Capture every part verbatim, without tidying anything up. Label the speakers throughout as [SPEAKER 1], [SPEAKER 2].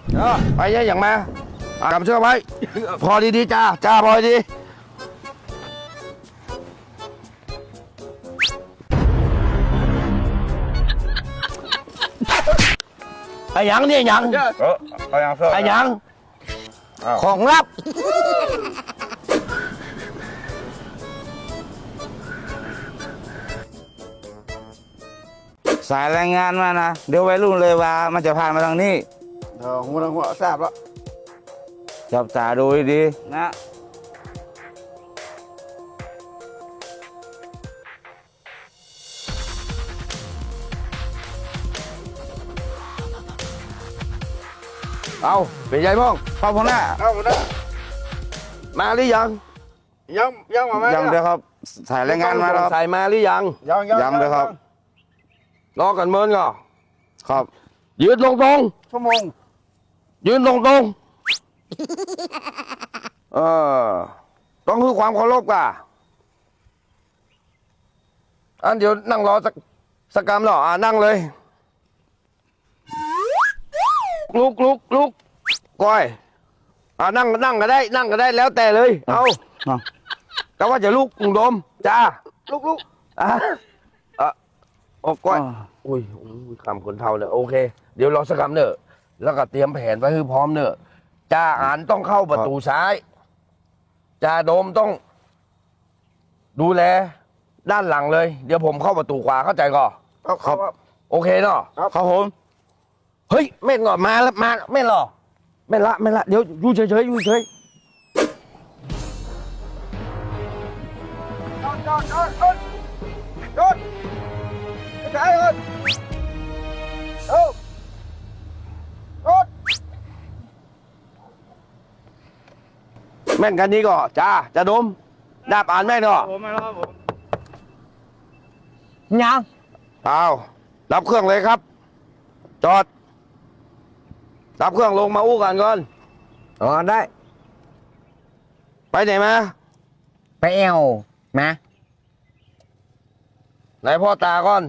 [SPEAKER 1] เออไปเยอะอย่างมาอ่ากำเชือกไว้พอดีๆจ้าจ้าพอดีไอ้ยังเนี่ยยัง
[SPEAKER 2] เออเอายังเสื้อ
[SPEAKER 1] ไอ้ยัง
[SPEAKER 2] อ้าว
[SPEAKER 1] ของลับ
[SPEAKER 3] สายรายงานมานะเดี๋ยววัยรุ่นเลยว่ามันจะผ่านมาทางนี้
[SPEAKER 1] เออหัวหัวทราบแล้ว
[SPEAKER 3] จับตาดูดีๆนะ
[SPEAKER 1] เอาเป็นไงบ้าง
[SPEAKER 3] พ่อพ่อหน้า
[SPEAKER 2] เอาหน้า
[SPEAKER 1] มาหรือยัง
[SPEAKER 2] ยังยังมาไหม
[SPEAKER 3] ยังเดี๋ยวครับสายรายงานมาแล้วครับ
[SPEAKER 1] ใส่มาหรือยัง
[SPEAKER 2] ยังยัง
[SPEAKER 3] ยังเลยครับ
[SPEAKER 1] รอกันเมินก่อน
[SPEAKER 3] ครับ
[SPEAKER 1] ยืนตรงตรง
[SPEAKER 2] ชั่วโมง
[SPEAKER 1] ๆยืนตรงตรงๆเออต้องคือความเคารพก่ะอันเดี๋ยวนั่งรอสักสักกรรมหรออ่านั่งเลยลุกลุกลุกก้อยอ่านั่งนั่งก็ได้ นั่งก็ได้แล้วแต่เลย เอา
[SPEAKER 3] เอา
[SPEAKER 1] แต่ว่าจะลุกลุงโดมจ้าลุกลุกอ่ะอ่ะโอ้ก้อย อุ้ยอุ้ยคำคนเท่าเนี่ยโอเค เดี๋ยวรอสักคำเนอะแล้วก็เตรียมแผนไว้ให้พร้อมเนอะจ่าอานต้องเข้าประตูซ้ายจ่าโดมต้อง ดูแล ด้านหลังเลย เดี๋ยวผมเข้าประตูขวาเข้าใจก่อน
[SPEAKER 2] ครับ
[SPEAKER 1] โอเคเนาะ
[SPEAKER 3] ครับผม
[SPEAKER 1] เฮ้ยแม่นก่อนมาแล้วมาแม่นหรอแม่นละแม่นละเดี๋ยวอยู่เฉยๆอยู่เฉย
[SPEAKER 2] จอดจอดจอดจอดจอดไม่ใช่เอิญเอ้าจอด
[SPEAKER 1] แม่นกันนี้ก่อนจ้าจ่าโดมดาบอ่านแม่นก่อน
[SPEAKER 3] ผมมาแล้วครับผม
[SPEAKER 1] ยังเอารับเครื่องเลยครับ จอด รับเครื่องลงมาอู้กันก่อนอ๋อได้ ไปไหนมา
[SPEAKER 4] ไปเอวมา
[SPEAKER 1] ไหนพ่อตาก่อน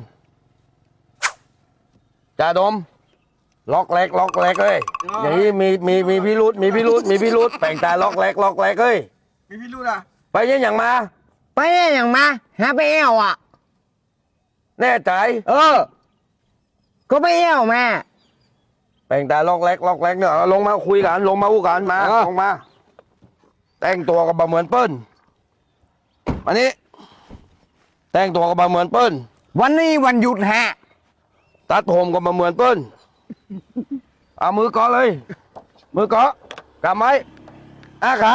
[SPEAKER 1] จ่าดม ล็อกแรกล็อกแรกเลยอย่างนี้มีมีมีพิรุษมีพิรุษมีพิรุษแปลงตาล็อกแรกล็อกแรกเอ้ย
[SPEAKER 2] มีพี่รู้นะ
[SPEAKER 1] ไปยังอย่างมา
[SPEAKER 4] ไปเนี่ยอย่างมาหาไปเอวอ่ะ
[SPEAKER 1] แน่ใจ
[SPEAKER 4] เออ ก็ไปเอวมา
[SPEAKER 1] แปลงตาล็อกแรกล็อกแรกเนี่ยเอาลงมาคุยกันลงมาอู้กันมาลงมา แต่งตัวกับบะเหมือนเปิ้ลอันนี้ แต่งตัวกับบะเหมือนเปิ้ล
[SPEAKER 4] วันนี้วันหยุดฮะ
[SPEAKER 1] ตัดผมกับบะเหมือนเปิ้ลเอามือเกาะเลย มือเกาะกำไว้อาขา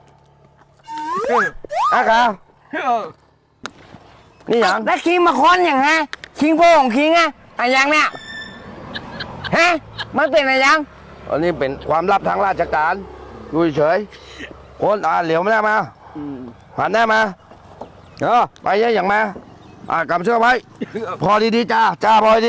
[SPEAKER 1] อาขานี่อย่าง
[SPEAKER 4] แล้วคิงมาค้อนอย่างฮะคิงโป้ของคิงอะอะไรยังเนี่ยฮะมันเป็นอะไรยัง
[SPEAKER 1] อันนี้เป็นความลับทางราชการดูเฉยคนอ่าเหลียวไม่ได้มาหันหน้ามาเออไปเยอะอย่างมาอ่ากำเชือกไว้พอดีๆจ้าจ้าพอดี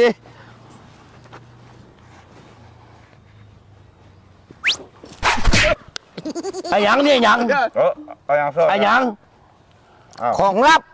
[SPEAKER 1] ไอ้ยังเนี่ยยัง
[SPEAKER 2] เออเอายังเสื้อ
[SPEAKER 1] ไอ้ยัง
[SPEAKER 2] อ้าว
[SPEAKER 1] ของลับ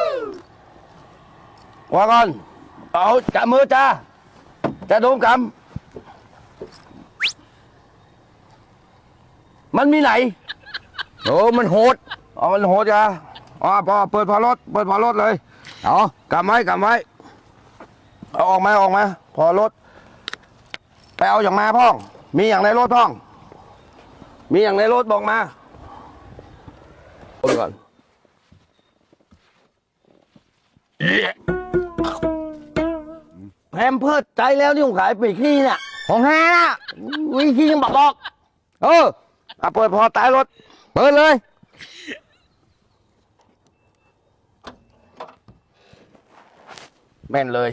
[SPEAKER 1] ว่าก่อนเอาจับมือจ้าจะโดนกำมันมีไหน
[SPEAKER 4] โอ้มันโหด
[SPEAKER 1] อ๋อมันโหดจ้าอ๋อพอเปิดพอรถเปิดพอรถเลยเอากำไว้กำไว้เอาออกมาออกมา พอรถไปเอาอย่างมาพ่อง มีอย่างในรถพ่อง มีอย่างในรถบอกมาโอนก่อนแพมเพิร์ดใจแล้วที่ผมขายปีกขี้เนี่ย
[SPEAKER 4] ของฮานะ
[SPEAKER 1] วิธียังบอกบอก
[SPEAKER 4] เออ
[SPEAKER 1] อ่ะเปิดพอตายรถ
[SPEAKER 4] เปิดเลย
[SPEAKER 1] แม่นเลย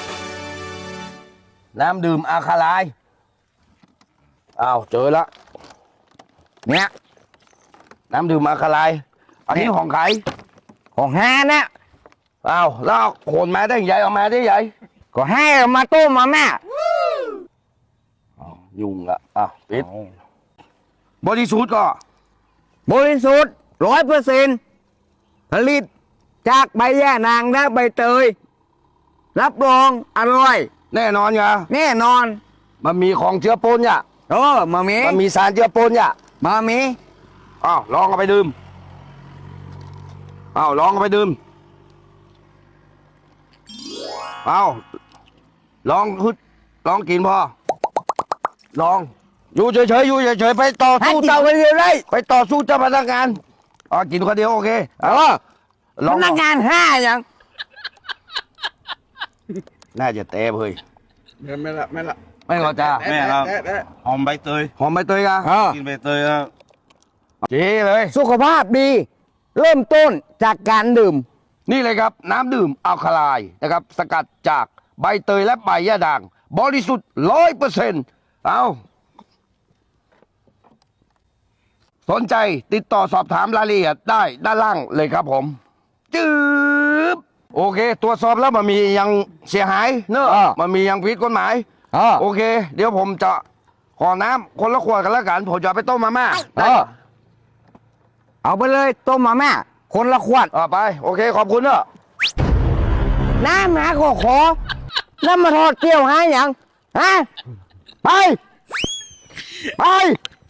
[SPEAKER 1] น้ำดื่มอาคาไลายอ้าวเจอละ
[SPEAKER 4] เนี่ย
[SPEAKER 1] น้ำดื่มอาคาไลายอันนี้ของใคร
[SPEAKER 4] ของฮานะ
[SPEAKER 1] อ้าวแล้วเอาโขนมาได้ใหญ่เอามาได้ใหญ่
[SPEAKER 4] ก็ให้เอามาต้มมาแม่
[SPEAKER 1] อ้าวยุ่งละอ้าวปิดบริสุทธิ์ก็
[SPEAKER 4] บริสุทธิ์ร้อยเปอร์เซ็นต์ผลิตจากใบย่านางและใบเตย รับรองอร่อย
[SPEAKER 1] แน่นอนไง
[SPEAKER 4] แน่นอน
[SPEAKER 1] มันมีของเชื้อปนเนี่ย
[SPEAKER 4] เเออมามี
[SPEAKER 1] มันมีสารเจือปนเนี่ย
[SPEAKER 4] มามี
[SPEAKER 1] อ้าวลองเอาไปดื่มอ้าวลองเอาไปดื่มอ้าวลองฮึดลองกินพอลองอยู่เฉยๆอยู่เฉยๆไปต่อ
[SPEAKER 4] ให้
[SPEAKER 1] สู้
[SPEAKER 4] กิน
[SPEAKER 1] เจ้า
[SPEAKER 4] คนเดียวได้
[SPEAKER 1] ไปต่อสู้เจ้าพนักงานอ๋อกินคนเดียวโอเค
[SPEAKER 4] เออ
[SPEAKER 1] ล
[SPEAKER 4] พ
[SPEAKER 1] อง
[SPEAKER 4] นักงานห้าอย่าง
[SPEAKER 1] น่าจะเตะเฮ้ย
[SPEAKER 2] ไม่ละไม่ละ
[SPEAKER 1] ไม่ก็จ้า
[SPEAKER 3] แม่ครับ
[SPEAKER 2] แตะแตะ
[SPEAKER 3] หอมใบเตย
[SPEAKER 1] หอมใบเตยกัน
[SPEAKER 4] เออ
[SPEAKER 3] กินใบเตยครับ
[SPEAKER 1] จีเลย
[SPEAKER 4] สุขภาพดี เริ่มต้นจากการดื่ม
[SPEAKER 1] นี่เลยครับ น้ำดื่มอัลคาไลน์นะครับ สกัดจากใบเตยและใบยะด่าง บริสุทธิ์ร้อยเปอร์เซ็นต์เอาสนใจติดต่อสอบถามรายละเอียดได้ด้านล่างเลยครับผม จืบโอเค ตรวจสอบแล้วมันมียังเสียหายเนอะ
[SPEAKER 4] อ่า
[SPEAKER 1] มันมียังผิดกฎหมาย
[SPEAKER 4] เออ
[SPEAKER 1] โอเค เดี๋ยวผมจะขอน้ำคนละขวดกันแล้วกัน ผมจะเอาไปต้มมาม่า
[SPEAKER 4] เออ เอาไปเลยต้มมาม่าคนละขวด
[SPEAKER 1] เอาไป โอเค ขอบคุณเนอะ
[SPEAKER 4] น้ำหาขอขอ แล้วมาทอดเกี๊ยวหาอย่างฮะ ไป ไป